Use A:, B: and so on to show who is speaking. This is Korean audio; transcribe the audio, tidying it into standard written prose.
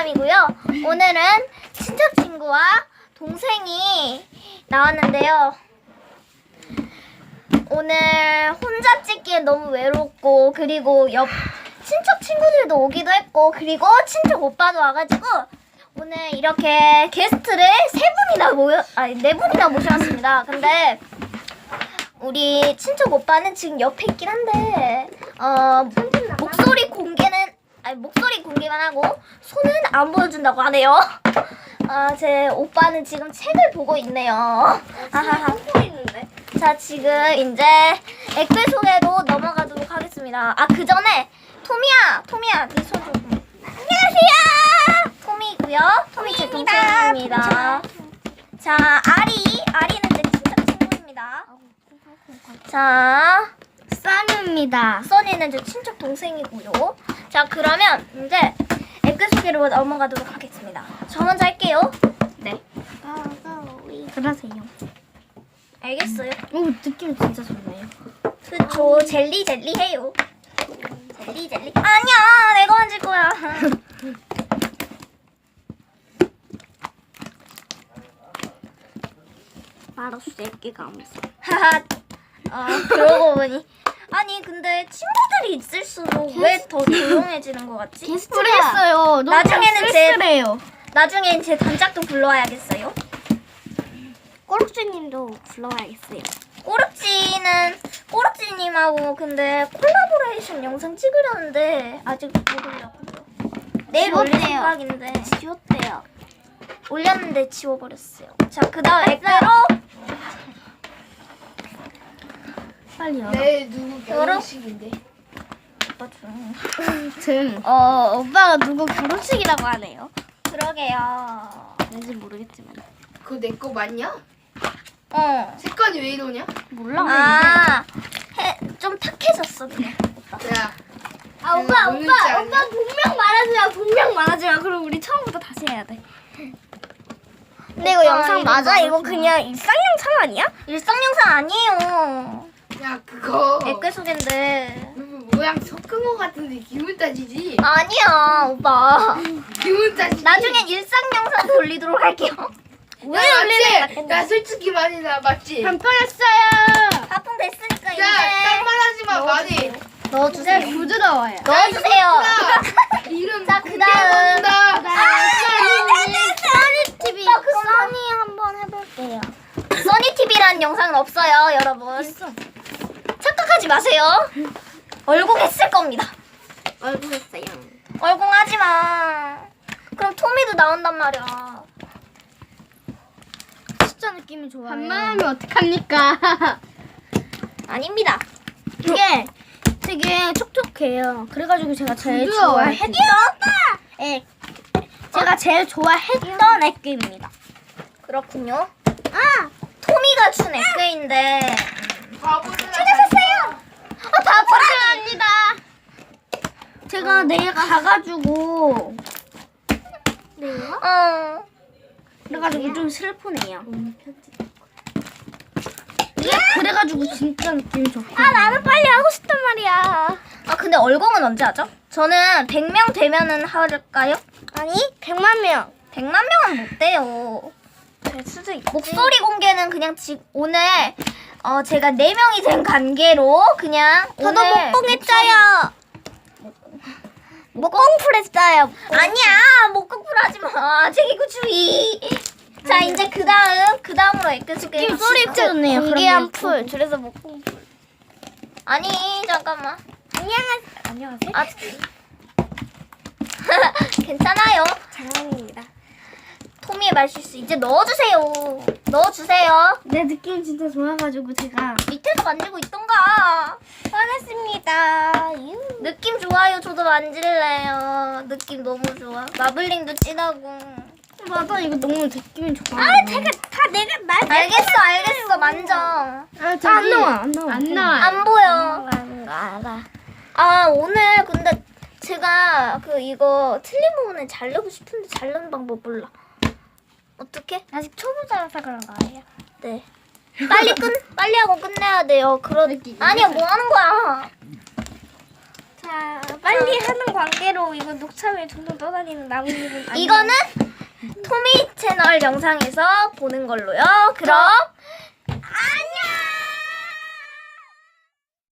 A: 사람이고요. 오늘은 친척 친구와 동생이 나왔는데요. 오늘 혼자 찍기엔 너무 외롭고, 그리고 옆 친척 친구들도 오기도 했고, 그리고 친척 오빠도 와가지고 오늘 이렇게 게스트를 네 분이나 모셔왔습니다. 근데 우리 친척 오빠는 지금 옆에 있긴 한데 목소리 공개만 하고 손은 안 보여준다고 하네요. 제 오빠는 지금 책을 보고 있네요. 자, 지금 이제 댓글 소개로 넘어가도록 하겠습니다. 그 전에 토미야, 네 손 좀. 안녕하세요. 토미고요. 토미 제 동생입니다. 자, 아리는 제 친척 친구입니다. 자, 써니는 제 친척 동생이고요. 자, 그러면 이제 댓글 소개로 넘어가도록 하겠습니다. 저 먼저 할게요. 네.
B: 그러세요.
A: 알겠어요.
B: 오, 느낌 진짜 좋네요.
A: 그쵸, 젤리 해요. 젤리. 아니야, 내가 만질 거야.
B: 알았어, 애기가 아무서.
A: 하하. 그러고 보니. 아니, 근데 친구들이 있을수록 왜 더 조용해지는 것 같지?
B: 모르겠어요.
A: 나중엔 제 단짝도 불러와야겠어요.
B: 꼬룩지님도 불러와야겠어요.
A: 꼬르찌님하고 근데 콜라보레이션 영상 찍으려는데 아직 못 올렸고요. 내일 올릴
B: 지웠대요.
A: 생각인데
B: 지웠대요.
A: 올렸는데 지워버렸어요. 자, 그다음 댓글로
B: 빨리 열어.
C: 내 누구 결혼식인데.
A: 오빠 좀
B: 오빠가 누구 결혼식이라고 하네요.
A: 그러게요.
B: 왠지 모르겠지만.
C: 그거 내 거 맞냐? 색깔이 왜 이러냐?
B: 몰라.
A: 좀 탁해졌어 그냥.
C: 야.
B: 오빠
C: 모르지 않냐?
B: 분명 말하지 마. 그럼 우리 처음부터 다시 해야 돼.
A: 근데 이거 영상 맞아? 이거
B: 그냥 일상 영상 아니야?
A: 일상 영상 아니에요.
C: 야 그거
A: 댓글 소개인데.
C: 모양 섞은 거 같은데 기분 따지지?
A: 아니야, 오빠.
C: 기분 따지지?
A: 나중엔 일상 영상 돌리도록 할게요.
C: 왜 올리는? 나 솔직히 말해 나 맞지?
B: 뻔했어요.
A: 하품 됐으니까 이제
C: 딴 말하지 마 많이.
A: 넣어주세요.
B: 부드러워요.
A: 넣어주세요.
C: 이름
A: 자, 그다음.
B: 써니 TV.
A: 써니 한번 해볼게요. 써니 TV라는 영상은 없어요, 여러분. 착각하지 마세요. 얼공했을 겁니다.
B: 얼굴 했어요.
A: 얼공하지 마. 그럼 토미도 나온단 말이야.
B: 진짜 느낌이 좋아요. 반말하면 어떡합니까?
A: 아닙니다.
B: 이게 되게 촉촉해요. 그래가지고 제가 제일
A: 부드러워요.
B: 좋아했던 제가 제일 좋아했던 액기입니다.
A: 그렇군요. 토미가 준 에크인데
C: 찾았어요.
A: 바보라니.
B: 제가 내일 가가지고 그래가지고 좀 슬프네요. 그래가지고 진짜 느낌이 좋고.
A: 나는 빨리 하고 싶단 말이야. 근데 얼공은 언제 하죠? 저는 100명 되면은 할까요?
B: 아니 100만 명.
A: 100만 명은 못 돼요.
B: 될 수도 있고.
A: 목소리 공개는 그냥 오늘 제가 4명이 된 관계로 그냥
B: 저도
A: 오늘
B: 목공했어요. 목공풀 했어요.
A: 아니야, 목공풀 하지 마. 제기구주의. 자, 이제 그다음으로 에크 소개.
B: 목소리 진짜 좋네요.
A: 공개한
B: 풀. 그래서 목공풀.
A: 아니, 잠깐만.
B: 안녕하세요.
A: 괜찮아요.
B: 장난입니다.
A: 토미의 말실수 이제 넣어주세요. 넣어주세요.
B: 내 느낌 진짜 좋아가지고 제가
A: 밑에서 만지고 있던가.
B: 화냈습니다.
A: 느낌 좋아요. 저도 만질래요. 느낌 너무 좋아. 마블링도 진하고.
B: 맞아, 이거 너무 느낌이 좋아.
A: 알겠어. 만져.
B: 안 나와.
A: 안 보여.
B: 알아.
A: 오늘 근데 제가 이거 틀린 부분을 자르고 싶은데 자르는 방법 몰라. 어떻게?
B: 아직 초보자라서 그런 거예요.
A: 네. 빨리 하고 끝내야 돼요.
C: 느끼기.
A: 아니야, 뭐 하는 거야?
B: 자, 빨리 하는 관계로 이거 녹차에 둥둥 떠다니는 나뭇잎은 아니에요.
A: 이거는 토미 채널 영상에서 보는 걸로요. 그럼 안녕.